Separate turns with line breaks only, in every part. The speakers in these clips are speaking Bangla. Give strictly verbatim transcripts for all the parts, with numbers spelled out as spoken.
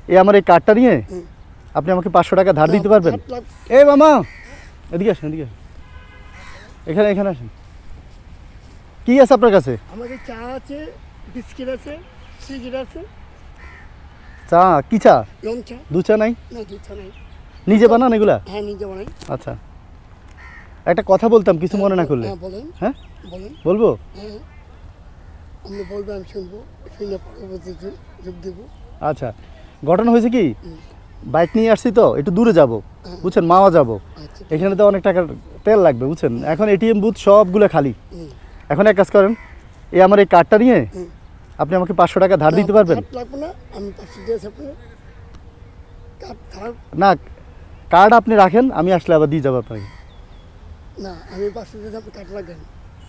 এই আমার এই কার্ডটা নিয়ে আপনি আমাকে পাঁচশো টাকা ধার দিতে পারবেন? এই মামা এদিকে আসেন, এদিকে আসেন, এখানে এখানে আসেন। কি আছে আপনার কাছে?
আমাদের চা আছে, বিস্কিট আছে, সিগারেট আছে।
চা? কি চা?
রং চা।
দু চা নাই?
না, দু চা নাই।
নিজে বানান এগুলা?
হ্যাঁ, নিজে বানাই।
আচ্ছা, একটা কথা বলতাম, কিছু মনে না করলে।
হ্যাঁ, বলেন।
হ্যাঁ
বলেন।
বলবো?
হ্যাঁ, আপনি বলবেন, আমি শুনবো, শুনে পরবর্তী যোগ দেবো।
আচ্ছা, ঘটনা হয়েছে কি, বাইক নিয়ে আসছি তো একটু দূরে যাব, বুঝছেন, মাওয়া যাব।
আচ্ছা,
এখানে তো অনেক টাকার তেল লাগবে, বুঝছেন। এখন এটিএম বুথ সবগুলো খালি। এখন এক কাজ করেন, এই আমার এই কার্ডটা নিয়ে আপনি আমাকে পাঁচশো টাকা ধার দিতে পারবেন?
কার্ড লাগবে না, আমি পাঁচশো দিয়েছি আপনার কার্ড ধার।
না, কার্ড আপনি রাখেন, আমি আসলে আবার দিয়ে যাবো আপনাকে।
না, আমি পাঁচশো দিয়েছি, আপনি কার্ড লাগেন।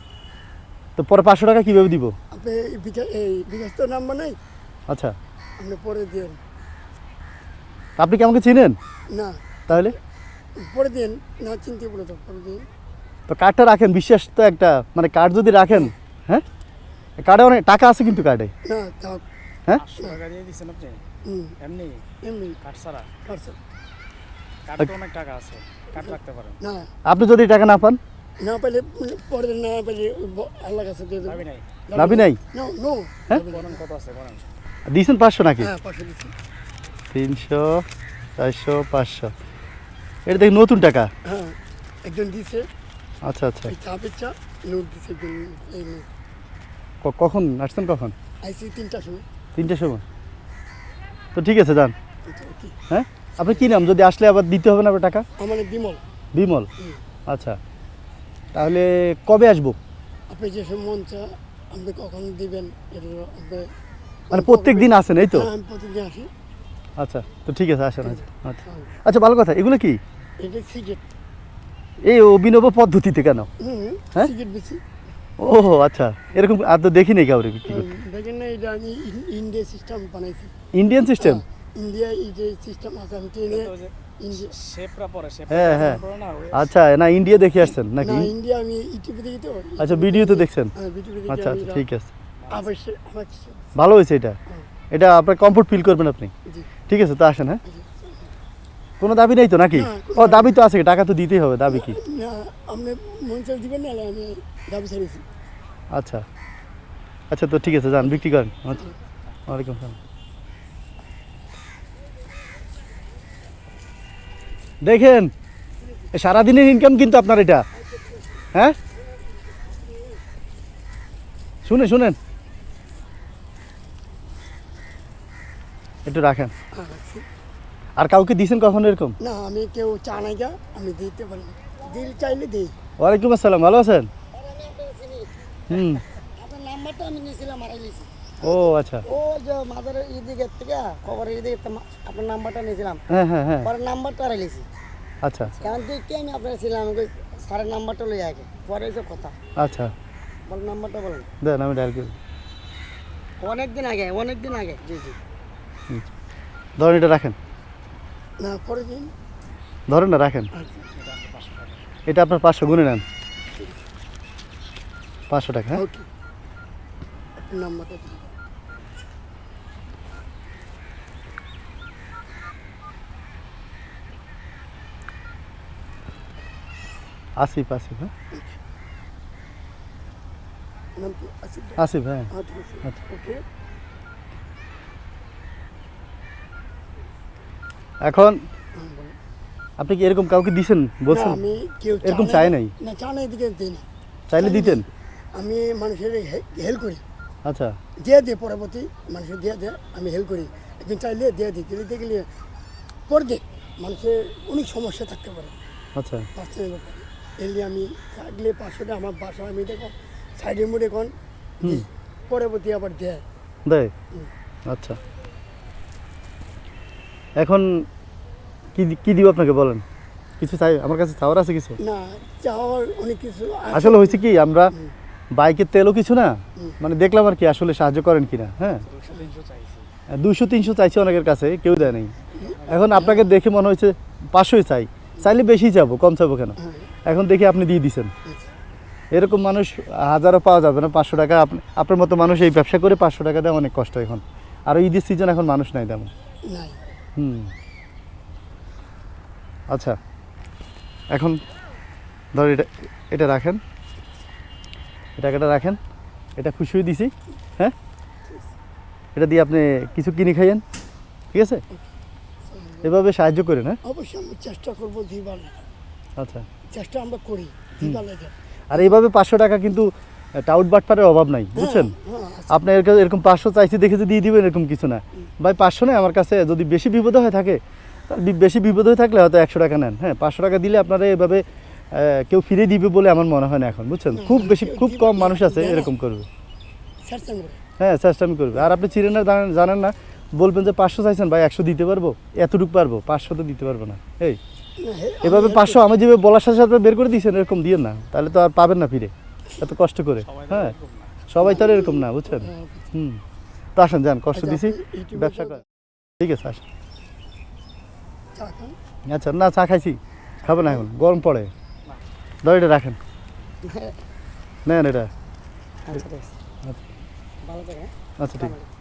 তো পরে পাঁচশো টাকা কীভাবে দিব?
আপনি বিকাশ এই বিকাশ তো নাম্বার নেই,
আচ্ছা,
আপনি পরে দিন।
আপনি কি আমাকে চিনেন?
না,
তাহলে
পরে দিন। না, চিনতে বলে তো পরে দিন।
তো কার্ডটা রাখেন, বিশ্বাস তো একটা, মানে কার্ড যদি রাখেন, হ্যাঁ কার্ডে অনেক টাকা আছে কিন্তু কার্ডে।
না, থাক।
হ্যাঁ,
পাঁচশো টাকা দিয়ে দিচ্ছেন আপনি
হুম,
এমনি
এমনি
কাঠ ছাড়া?
Card sir.
কাঠে তো অনেক টাকা আছে, কাঠ রাখতে পারেন।
না,
আপনি যদি টাকা না পান?
না পাইলে পরে দিন, না পাইলে ওই ব- আল্লাহ কাছে দিয়ে দেবো।
দাবি নাই?
দাবি নাই?
No, no.
হ্যাঁ?
বলেন কত আছে বলেন।
দিয়েছেন পাঁচশো নাকি?
হ্যাঁ, পাঁচশো দিচ্ছি।
তিনশো, চারশো, পাঁচশো, এটা দেখি নতুন টাকা।
হ্যাঁ, একজন দিছে,
আচ্ছা আচ্ছা,
এই চা পেচ্ছা নোট দিছে একজন। এই নোট
ক- কখন আসছেন, কখন?
আইসি তিনটার সময়।
তিনটের সময়? তো ঠিক আছে, যান।
এটা কি?
হ্যাঁ, আপনি কী নাম? যদি আসলে আবার দিতে হবে না আপনার টাকা?
আমার নাম বিমল।
বিমল?
হুম।
আচ্ছা, তাহলে কবে আসবো?
আপনি যে সব মন চা আপনি কখন দিবেন এটা আপনি।
মানে প্রত্যেক দিন আসেন, এই তো?
হ্যাঁ, আমি প্রতিদিন আসি।
আচ্ছা, তো ঠিক আছে, আসেন। আচ্ছা আচ্ছা
হ্যাঁ,
আচ্ছা, ভালো কথা। এগুলো কি
এটা সিগারেট।
এই অভিনব পদ্ধতিতে কেন?
হুম,
হ্যাঁ?
সিগারেট বেশি।
ও আচ্ছা, এরকম আর তো দেখিনি কাউরে বিক্রি করতে।
দেখেন না, এটা আমি ইন- ইন্ডিয়া সিস্টেম বানাইছি।
Indian system?
ইন্ডিয়া এই যে সিস্টেম আছে, আমি ট্রেনে ইন্ডিয়া।
শেপরা পরে শেপ
হ্যাঁ হ্যাঁ,
পরে না ওই
আচ্ছা, না ইন্ডিয়া দেখে আসছেন নাকি?
না, ইন্ডিয়া আমি ইউটিউবে দেখি তো।
আচ্ছা, ভিডিওতে দেখছেন?
হ্যাঁ, ভিডিওতে দেখি।
আচ্ছা
আমি
আচ্ছা,
এটা
ঠিক আছে,
অবশ্যই আমার কিছু।
ভালো হয়েছে এটা। এটা আপনার কমফোর্ট ফিল করবেন আপনি।
জি,
ঠিক আছে, তো আসেন। হ্যাঁ, কোনো দাবি নেই তো নাকি?
না,
ও দাবি তো আছে, টাকা তো দিতেই হবে, দাবি কি?
না, আপনি মন চাল দিবেন না, আমি দাবি ছাড়িয়েছি।
আচ্ছা আচ্ছা, তো ঠিক আছে, যান বিক্রি করেন। আচ্ছা, ওয়ালাইকুম আসসালাম। দেখেন, এ সারাদিনের ইনকাম কিন্তু আপনার এটা। হ্যাঁ, শুনে শুনেন, একটু রাখেন।
হ্যাঁ, রাখছি।
আর কাউকে দিয়েছেন কখনো এরকম?
না, আমি কেউ চা নাই গা, আমি দিতে পারি না। দিল চাইলে দিই।
ওয়ালাইকুম আসসালাম, ভালো আছেন? হুম,
আপনার নাম্বারটা আমি নিয়েছিলাম, মারা গেছি।
ও আচ্ছা,
ও যে মাদারের এদিকের থেকে খবরের এদিকে আপনার নাম্বারটা নিয়েছিলাম,
হ্যাঁ হ্যাঁ হ্যাঁ,
পরে নাম্বারটা হারাইছি।
আচ্ছা
এখন তুই কে আমি আপনার ছিলাম, আমি কই, স্যারের নাম্বারটা লই আগে, পরে এসব কথা
আচ্ছা,
বলেন। নাম্বারটা বলেন।
দেন আমি ডায়াল করি।
অনেক দিন আগে, অনেক দিন আগে। জি জি।
ধরেন, এটা রাখেন,
না, পরে দিন।
ধরেন না, রাখেন।
আচ্ছা,
এটা আপনার পাঁচশো, গুনে নেন, পাঁচশো টাকা। হ্যাঁ,
ওকে, আপনার নাম্বারটা দিন।
আসিফ, আসিফ, হ্যাঁ
নাম কি? আসিফ ভাই?
আসিফ, হ্যাঁ।
হ্যাঁ, ঠিক আছে।
আচ্ছা।
ওকে।
এখন
হুম, বলেন।
আপনি কি এরকম কাউকে দিছেন
না,
বলছেন?
আমি কেউ চা
এরকম
নাই-
চাই নাই?
না, চা নাই দিকে দিই না।
চাইলে দিতেন?
আমি মানুষের হেল্প করি,
আচ্ছা
দিয়ে দিয়ে পরবর্তী মানুষের দিয়ে দিয়ে আমি হেল্প করি। একদিন চাইলে দিয়ে দিই, দিলে দিয়ে গেলে পরে দেখ মানুষের অনেক সমস্যা থাকতে পারে
আচ্ছা,
পার্সোনাল ব্যাপারে। এলে আমি থাকলে পাঁচশোটা আমার বাসা আমি দেখো সাইডের মোড়ে এখন দিই, পরবর্তী আবার দেয়।
দেয়? আচ্ছা, এখন কি দি- কি দিব আপনাকে বলেন? কিছু চাই? আমার কাছে চাওয়ার আছে কিছু?
না, চাওয়ার অনেক কিছু আছে।
আসলে হয়েছে কি, আমরা বাইকের তেলও কিছু না, মানে দেখলাম আর কি, আসলে সাহায্য করেন কিনা। হ্যাঁ,
দুশো তিনশো চাইছি।
দুশো তিনশো চাইছি অনেকের কাছে, কেউ দেয় নাই। এখন আপনাকে দেখে মনে হয়েছে পাঁচশোই চাই, চাইলে বেশি যাবো, কম চাবো কেন? এখন দেখি আপনি দিয়ে দিছেন। এরকম মানুষ হাজারও পাওয়া যাবে না। পাঁচশো টাকা আপনি, আপনার মতো মানুষ এই ব্যবসা করে পাঁচশো টাকা দেওয়া অনেক কষ্ট এখন। আর ঈদের সিজন, এখন মানুষ নাই তেমন।
নাই।
হুম আচ্ছা এখন ধর এটা এটা রাখেন, এই টাকাটা রাখেন, এটা খুশি হয়ে দিছি, হ্যাঁ এটা দিয়ে আপনি কিছু কিনে খাইয়েন, ঠিক আছে? এভাবে সাহায্য করেন, হ্যাঁ?
অবশ্যই আমি চেষ্টা করবো দিবার লাগা।
আচ্ছা
চেষ্টা আমরা করি দিবার লাগা।
আর এইভাবে পাঁচশো টাকা কিন্তু টাউট বাটপারের অভাব নাই, বুঝছেন?
হ্যাঁ আচ্ছা।
আপনি এরকম- এরকম পাঁচশো চাইছি দেখে যে দিয়ে দিবেন এরকম কিছু না ভাই। পাঁচশো নেই আমার কাছে, যদি বেশি বিপদ হয়ে থাকে তাহলে বি- বেশি বিপদ হয়ে থাকলে হয়তো একশো টাকা নেন, হ্যাঁ? পাঁচশো টাকা দিলে আপনারা এভাবে আহ, কেউ ফিরে দিবে বলে আমার মনে হয় না এখন, বুঝছেন? খুব বেশি খুব কম মানুষ আছে এরকম করবে,
চেষ্টা করে
হ্যাঁ চেষ্টামি করবে। আর আপনি চিনেন না জানেন- জানেন না, বলবেন যে পাঁচশো চাইছেন ভাই, একশো দিতে পারবো, এতটুকু পারবো, পাঁচশো তো দিতে পারবো না। এই
না, হে-
এভাবে পাঁচশো আমি যেভাবে বলার সাথে সাথে বের করে দিয়েছেন এরকম দিয়েন না, তাহলে তো আর পাবেন না ফিরে এত কষ্ট করে,
সবাই তো
হ্যাঁ?
এরকম না।
সবাই তো আর এরকম না, বুঝছেন?
হ্যাঁ,
হুম তো আসেন যান, কষ্ট
আচ্ছা,
দিছি,
আপনি ইউটিউবে
ব্যবসা
তো-
করেন, ঠিক আছে আসেন।
চা খান।
আচ্ছা না চা খাইছি, খাবেন না এখন, গরম পড়ে, ধর এটা রাখেন, নেন এটা,
আচ্ছা ঠিক আছে। ভালো করে, হ্যাঁ?
আচ্ছা ঠিক আছে।